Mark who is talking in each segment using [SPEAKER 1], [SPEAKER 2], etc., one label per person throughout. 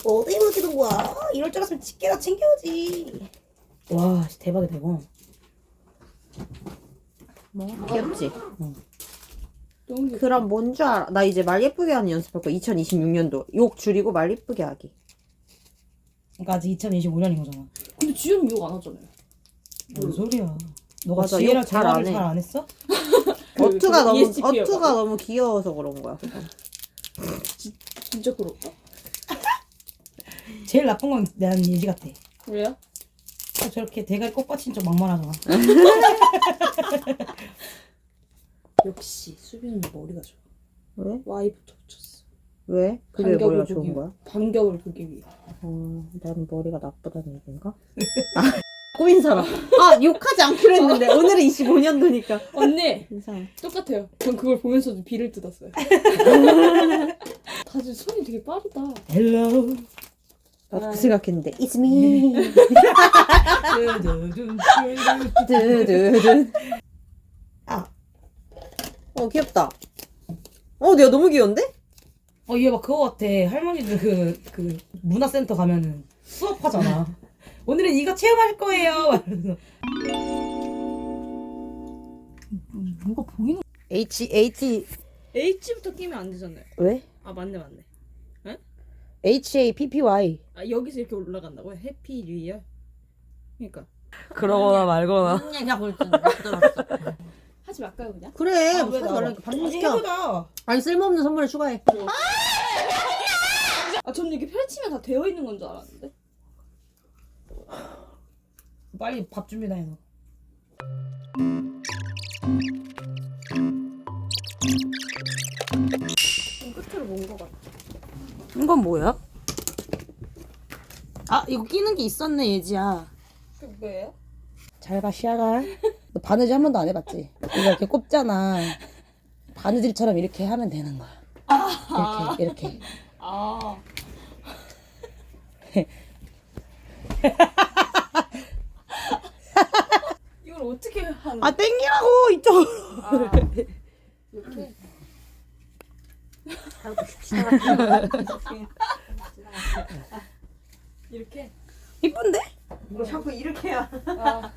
[SPEAKER 1] 어디 묻히는 거야? 이럴 줄 알았으면 집게나 챙겨오지. 와, 대박이다 이거.
[SPEAKER 2] 뭐?
[SPEAKER 1] 귀엽지?
[SPEAKER 2] 너무 귀엽다.
[SPEAKER 1] 그럼 뭔 줄 알아? 나 이제 말 예쁘게 하는 연습할 거야. 2026년도 욕 줄이고 말 예쁘게 하기.
[SPEAKER 3] 그러니까 아직 2025년인 거잖아.
[SPEAKER 2] 근데 지금 욕 안 하잖아요.
[SPEAKER 3] 뭔 소리야? 너가
[SPEAKER 1] 맞아,
[SPEAKER 3] 지혜랑
[SPEAKER 1] 욕잘
[SPEAKER 3] 대화를
[SPEAKER 1] 안 해.
[SPEAKER 3] 잘 안 했어?
[SPEAKER 1] 어투가 너무
[SPEAKER 2] ESTP 여
[SPEAKER 1] 어투가 너무 귀여워서 그런 거야.
[SPEAKER 2] 진짜 그럴까?
[SPEAKER 3] 제일 나쁜 건 난 예지 같아.
[SPEAKER 2] 왜요?
[SPEAKER 3] 저렇게 대가리 꽃받친 척 막말하잖아.
[SPEAKER 2] 역시 수빈 언니 머리가 좋아.
[SPEAKER 1] 왜?
[SPEAKER 2] Y부터 붙였어.
[SPEAKER 1] 왜? 그게
[SPEAKER 2] 반격을
[SPEAKER 1] 머리가
[SPEAKER 2] 보기
[SPEAKER 1] 좋은
[SPEAKER 2] 위해.
[SPEAKER 1] 거야?
[SPEAKER 2] 반격을 보기 위해.
[SPEAKER 1] 난 머리가 나쁘다는 얘기인가? 꼬인 사람. 아, 욕하지 않기로 했는데 오늘은 25년도니까.
[SPEAKER 2] 언니
[SPEAKER 1] 이상.
[SPEAKER 2] 똑같아요. 전 그걸 보면서도 비를 뜯었어요. 다들 손이 되게 빠르다.
[SPEAKER 3] Hello.
[SPEAKER 1] 나도 그 생각했는데 It's me. 두두둔.
[SPEAKER 3] 아.
[SPEAKER 1] 귀엽다. 내가 너무 귀여운데?
[SPEAKER 3] 얘 막 그거 같아. 할머니들 그 문화센터 가면은 수업하잖아. 오늘은 이거 체험할 거예요. 이러면서. 뭐가 보이는?
[SPEAKER 2] H부터 끼면 안 되잖아요.
[SPEAKER 1] 왜?
[SPEAKER 2] 아 맞네.
[SPEAKER 1] HAPPY.
[SPEAKER 2] 아 여기서 이렇게 올라간다고요? 해피 뉴 이어? 그러니까
[SPEAKER 1] 그러거나 말거나.
[SPEAKER 3] 그냥 볼지.
[SPEAKER 2] 하지 말까요 그냥?
[SPEAKER 1] 그래.
[SPEAKER 3] 왜
[SPEAKER 1] 무슨
[SPEAKER 3] 나와?
[SPEAKER 1] 말이야. 반복
[SPEAKER 3] 아니
[SPEAKER 1] 시켜.
[SPEAKER 3] 해보자.
[SPEAKER 1] 아니 쓸모없는 선물을 추가해.
[SPEAKER 2] 아 저는 이게 펼치면 다 되어 있는 건 줄 알았는데.
[SPEAKER 3] 빨리 밥 준비나 해 너.
[SPEAKER 2] 끝으로 뭔거 같아.
[SPEAKER 1] 이건 뭐야? 이거 끼는 게 있었네 예지야.
[SPEAKER 2] 그게 뭐예요?
[SPEAKER 1] 잘 가 시아가. 너 바느질 한 번도 안 해봤지? 이거 이렇게 꼽잖아. 바느질처럼 이렇게 하면 되는 거야. 이렇게.
[SPEAKER 2] 아 이걸 어떻게 하는?
[SPEAKER 1] 땡기라고 이쪽으로.
[SPEAKER 2] 이렇게. 이렇게.
[SPEAKER 1] 이쁜데?
[SPEAKER 3] 뭐 자꾸 이렇게 해야.
[SPEAKER 2] 아.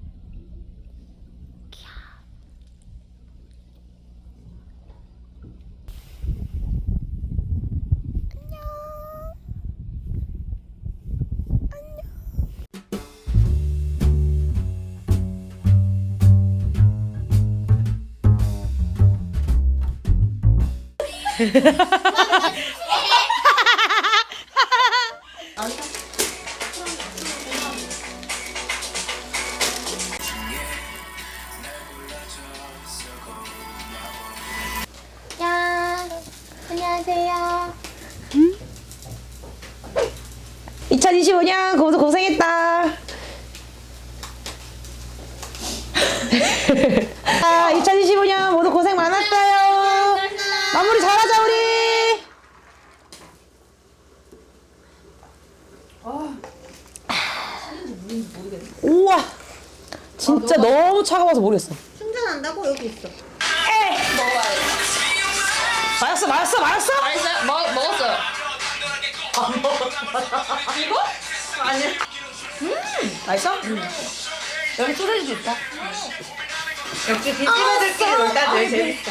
[SPEAKER 4] 야, 안녕하세요.
[SPEAKER 1] 2025년 고생 고생했다. 2025년 모두 고생 많았어요. 마무리 잘하자 우리. 우와, 진짜 너무 차가워서 모르겠어.
[SPEAKER 4] 충전한다고 여기 있어.
[SPEAKER 1] 맞았어.
[SPEAKER 2] 맛있어요? 먹었어요. 이거? 아니.
[SPEAKER 1] 맛있어?
[SPEAKER 3] 여기 소세지도 있다. 역시 빈집애들끼리 놀다 제일 재밌어.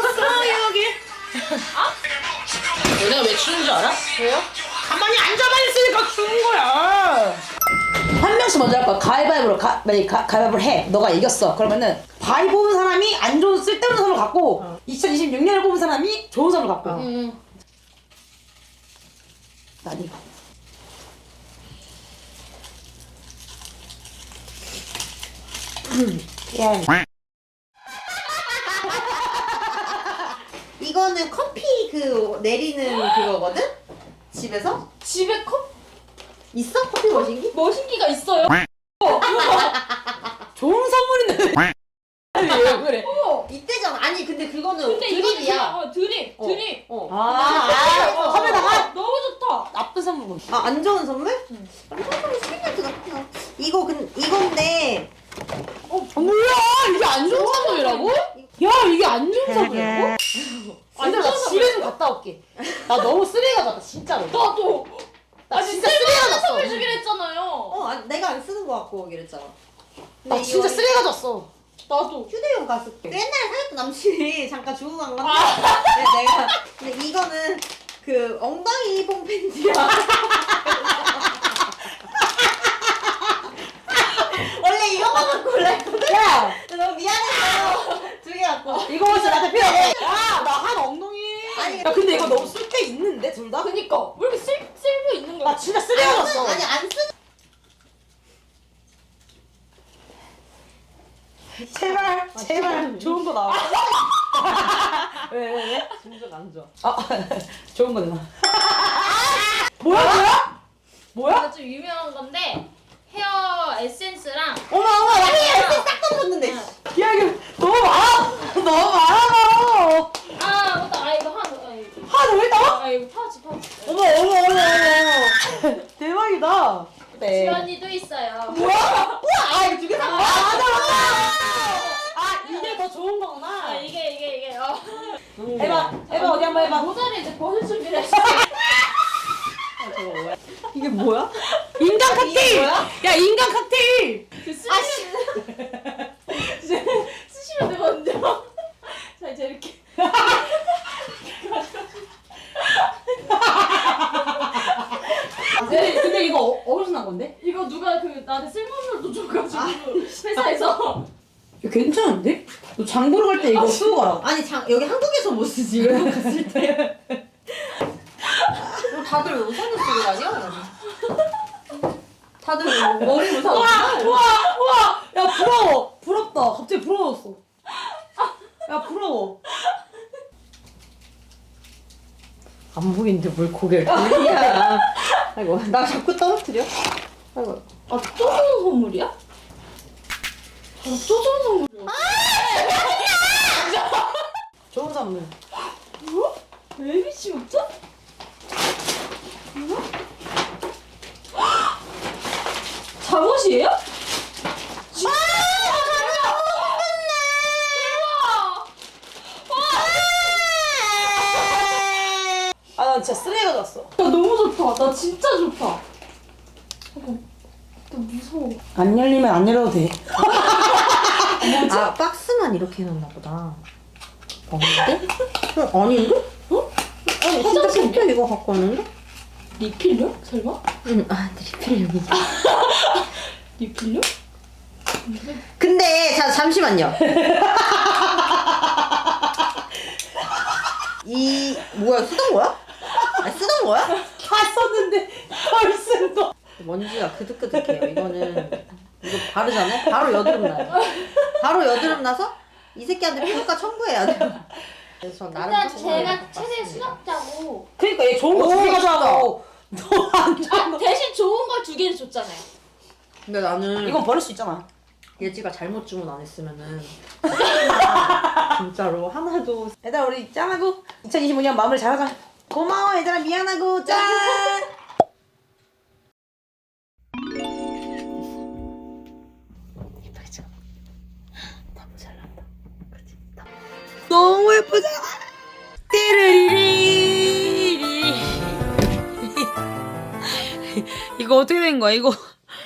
[SPEAKER 1] 너네가 왜 추는 줄 알아?
[SPEAKER 2] 왜요?
[SPEAKER 1] 가만히 앉아만 있으니까 추는 거야. 한 명씩 먼저 할 거야. 가위바위보로 만약에 가위바위보를 해. 너가 이겼어. 그러면은 바위 뽑은 사람이 안 좋은 쓸데없는 선물 갖고 2026년을 뽑은 사람이 좋은 선물 갖고. 난 이거. 예.
[SPEAKER 4] 이거는 커피 그 내리는 그거거든? 집에서?
[SPEAKER 2] 집에 컵
[SPEAKER 4] 있어? 커피 머신기?
[SPEAKER 2] 머신기가 있어요.
[SPEAKER 1] 좋은 선물인데. 왜 그래?
[SPEAKER 4] 이때잖아. 아니 근데 그거는
[SPEAKER 2] 근데 이거는
[SPEAKER 4] 드립이야.
[SPEAKER 2] 드립.
[SPEAKER 1] 컵에다가
[SPEAKER 2] 너무 좋다.
[SPEAKER 1] 나쁜 선물.
[SPEAKER 4] 안 좋은 선물? 안 좋은 선물 스피드 같아. 이건데
[SPEAKER 1] 뭐야? 이게 안 좋은 선물이라고? 야, 이게 안 좋은 선물이라고?
[SPEAKER 2] 안
[SPEAKER 1] 나
[SPEAKER 2] 좋은
[SPEAKER 1] 집에 좀 갔다 올게. 나 너무 쓰레기 가져왔다, 진짜로.
[SPEAKER 2] 나도.
[SPEAKER 1] 나 진짜 쓰레기가 졌어.
[SPEAKER 2] 선물 주기로 했잖아요.
[SPEAKER 4] 아니, 내가 안 쓰는 거 갖고 오기로 했잖아.
[SPEAKER 1] 나
[SPEAKER 4] 근데
[SPEAKER 1] 진짜
[SPEAKER 4] 이거
[SPEAKER 1] 쓰레기가 졌어.
[SPEAKER 2] 나도.
[SPEAKER 4] 휴대용 가습기. 옛날에 사귀었던 남친이 잠깐 주고 간 건데 내가 근데 이거는 그 엉덩이 뽕 팬티야. 원래 이거만 갖고 올라 했거든.
[SPEAKER 1] 야,
[SPEAKER 4] 너무 미안해서 두 개 갖고.
[SPEAKER 1] 이거 진짜 나한테 필요해. 야, 나 한 엉덩이.
[SPEAKER 4] 아니,
[SPEAKER 1] 야, 근데 이거 너무 쓸 데 있는데 둘 다?
[SPEAKER 2] 그니까 왜 이렇게 쓸모 있는 거야?
[SPEAKER 1] 나 진짜 쓰레기가 졌어.
[SPEAKER 4] 아니 안 쓰는.
[SPEAKER 1] 제발, 제발 좋은 거 나와. 왜?
[SPEAKER 4] 진짜 안 좋아.
[SPEAKER 1] 아, 좋은 거 내놔. 뭐야? 뭐야?
[SPEAKER 2] 이거 좀 유명한 건데 헤어 에센스랑
[SPEAKER 1] 어머, 나
[SPEAKER 4] 싹 떨어졌는데.
[SPEAKER 1] 야, 이거 너무 많아. 너무 많아.
[SPEAKER 2] 아 맞다. 아 이거 하나 더.
[SPEAKER 1] 하나 더 있다고?
[SPEAKER 2] 아 이거 파우치.
[SPEAKER 1] 어머. 대박이다. 네.
[SPEAKER 2] 지연이도 있어요.
[SPEAKER 1] 뭐야? 우와, 이거 두개 산 거야? 맞아. 아, 이게 더 좋은 거구나.
[SPEAKER 2] 아 이게
[SPEAKER 1] 해봐, 어디 한번 해봐.
[SPEAKER 2] 모자를 이제 벗을 준비를 했어.
[SPEAKER 4] 이게 뭐야?
[SPEAKER 1] 인간 칵테일. 야, 인간 칵테일.
[SPEAKER 2] 그 쓰시면 되거든요. 자 이제 이렇게.
[SPEAKER 1] 근데 이거 어디서 난 건데?
[SPEAKER 2] 이거 누가 그 나한테 쓸모없는 돈 줘가지고 회사에서.
[SPEAKER 1] 야, 괜찮은데? 너 장 보러 갈 때 이거 쓰고 가라.
[SPEAKER 4] 아니 여기 한국에서 못 쓰지 외국 갔을 때. 다들 왜 우산을 쓰고 다녀? 다들 머리 우산 없나?
[SPEAKER 1] 우와. 야, 부러워. 부럽다. 갑자기 부러웠어. 야, 부러워.
[SPEAKER 4] 안 보이는데 뭘 고개를 돌리냐. 아이고 나 자꾸 떨어뜨려. 아이고.
[SPEAKER 2] 아 또 좋은 선물이야? 또 좋은 선물이야.
[SPEAKER 1] 좋은 선물.
[SPEAKER 2] 뭐? 베이비씨 옷자? 뭐야? 잠옷이에요? 대박!
[SPEAKER 1] 아, 나 진짜 쓰레기가 졌어.
[SPEAKER 2] 야 너무 좋다. 나 진짜 좋다. 잠깐. 나 무서워.
[SPEAKER 1] 안 열리면 안 열어도 돼.
[SPEAKER 4] 아 박스만 이렇게 해놨나 보다. 아닌데? 아닌데? 어? 아니 진짜 진짜 이거 갖고 왔는데?
[SPEAKER 2] 리필요? 설마?
[SPEAKER 4] 응. 아 리필용이지.
[SPEAKER 2] 리필요?
[SPEAKER 4] 근데 잠시만요. 이 뭐야 쓰던 거야? 아 쓰던 거야?
[SPEAKER 1] 다 썼는데 덜 쓴 거.
[SPEAKER 4] 먼지가 그득그득해요. 이거는 이거 바르잖아요. 바로 여드름 나요. 바로 여드름 나서 이 새끼한테 피부과 청구해야 돼요. 그래서 나름
[SPEAKER 2] 일단
[SPEAKER 4] 청구해요.
[SPEAKER 2] 제가 최대 수납자고.
[SPEAKER 1] 그러니까 얘 좋은 거 두 개 가져가고 너안 좋은
[SPEAKER 2] 아 대신 좋은 걸 두 개를 줬잖아요.
[SPEAKER 4] 근데 나는
[SPEAKER 1] 이건 버릴 수 있잖아.
[SPEAKER 4] 예지가 잘못 주문 안 했으면은 진짜로 하나도.
[SPEAKER 1] 얘들아, 우리 짠하고 2025년 마무리 잘하자. 고마워 얘들아, 미안하고 짠. 예쁘게 찍어. 너무 잘 나온다. 그렇지. 너무 예쁘잖아. 띠르리리리. 이거 어떻게 된 거야? 이거.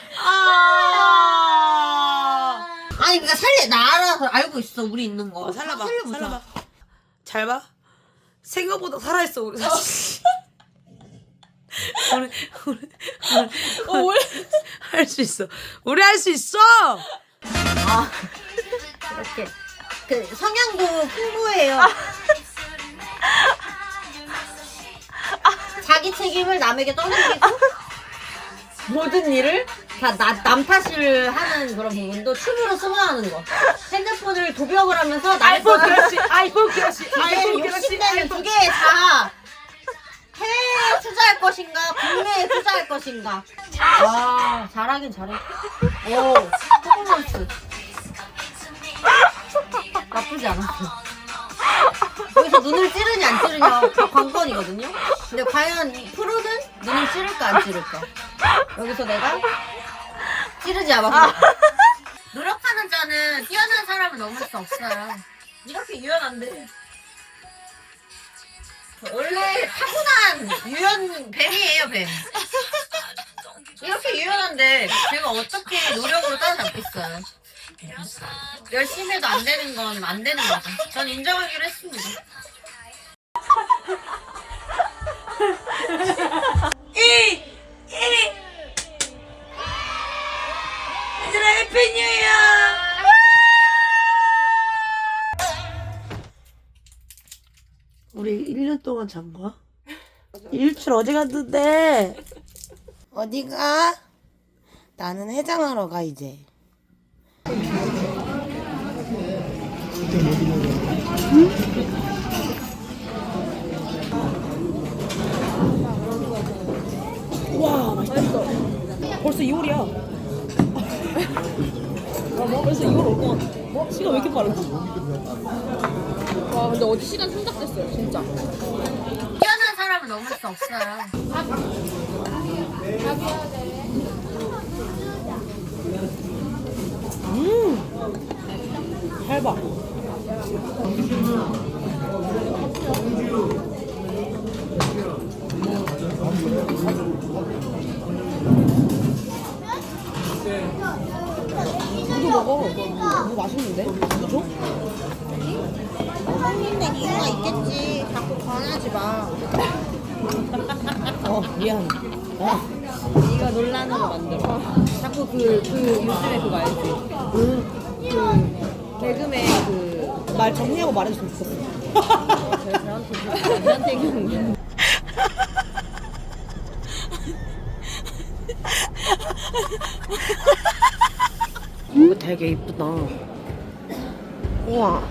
[SPEAKER 4] 아니 그러니까 나 알아서 알고 있어 우리 있는 거.
[SPEAKER 1] 살려봐.
[SPEAKER 4] 살려보자.
[SPEAKER 1] 살려봐. 잘 봐. 생각보다 살아있어 우리 사실. 우리 할 수 있어. 우리 할 수 있어.
[SPEAKER 4] 아 이렇게 그 성향도 풍부해요. 자기 책임을 남에게 떠넘기고 모든 일을 다 남 탓을 하는 그런 부분도 춤으로 승화하는 거. 핸드폰을 도벽을 하면서
[SPEAKER 1] 아이폰 그렇지. 아이폰 그렇지. 아이폰 그렇지.
[SPEAKER 4] 욕심내는 두 개의 자아. 해외에 투자할 것인가 국내에 투자할 것인가. 와 잘하긴 잘해. 오 퍼포먼스 나쁘지 않았어. 여기서 눈을 찌르냐 안 찌르냐 다 관건이거든요. 근데 과연 이 프로는 눈을 찌를까 안 찌를까. 여기서 내가 찌르지 않았어. 노력하는 자는 뛰어난 사람을 넘을 수 없어요. 이렇게 유연한데. 원래 타고난 유연 뱀이에요 뱀. 이렇게 유연한데 제가 어떻게 노력으로 따라잡겠어요. 열심히 해도 안 되는 건 안 되는 거죠. 전 인정하기로 했습니다.
[SPEAKER 1] 얘들아 해피 뉴 이어. 우리 1년 동안 잔 거야? 일출 어디 갔는데? 어디 가? 나는 해장하러 가 이제.
[SPEAKER 3] 와 맛있다. 벌써 2월이야. 벌써 2월 올 것 같아. 시간 왜 이렇게 빠르지?
[SPEAKER 2] 와 근데 어디 시간 생각됐어요 진짜.
[SPEAKER 4] 뛰어난 사람을 넘을 수 없어요.
[SPEAKER 3] 얇아. 이거 먹어. 이거 맛있는데? 이거 줘?
[SPEAKER 4] 먹는데 이유가 있겠지. 자꾸 권하지 마.
[SPEAKER 3] 미안.
[SPEAKER 2] 네가 논란으로 만들어.
[SPEAKER 3] 자꾸 요즘에 그거 알지? 그 개그맨 말 정리하고 말해줬으면 좋겠어.
[SPEAKER 2] 저한테 얘기하는
[SPEAKER 1] 이거 되게 이쁘다. 우와.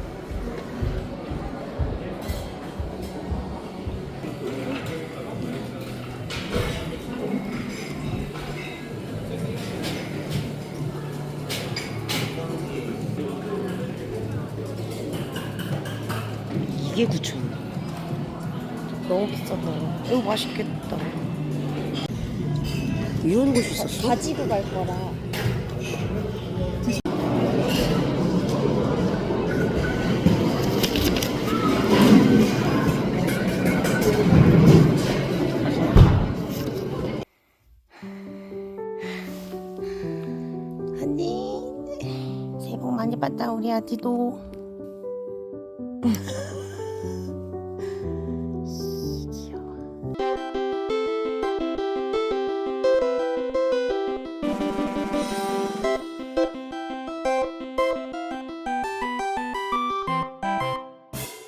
[SPEAKER 1] 이게 9,000원. 너무 비싸다. 이거 맛있겠다. 이런 곳이 있었어?
[SPEAKER 2] 가지고 갈 거라.
[SPEAKER 1] 언니 새해 복 많이 받다 우리 아디도.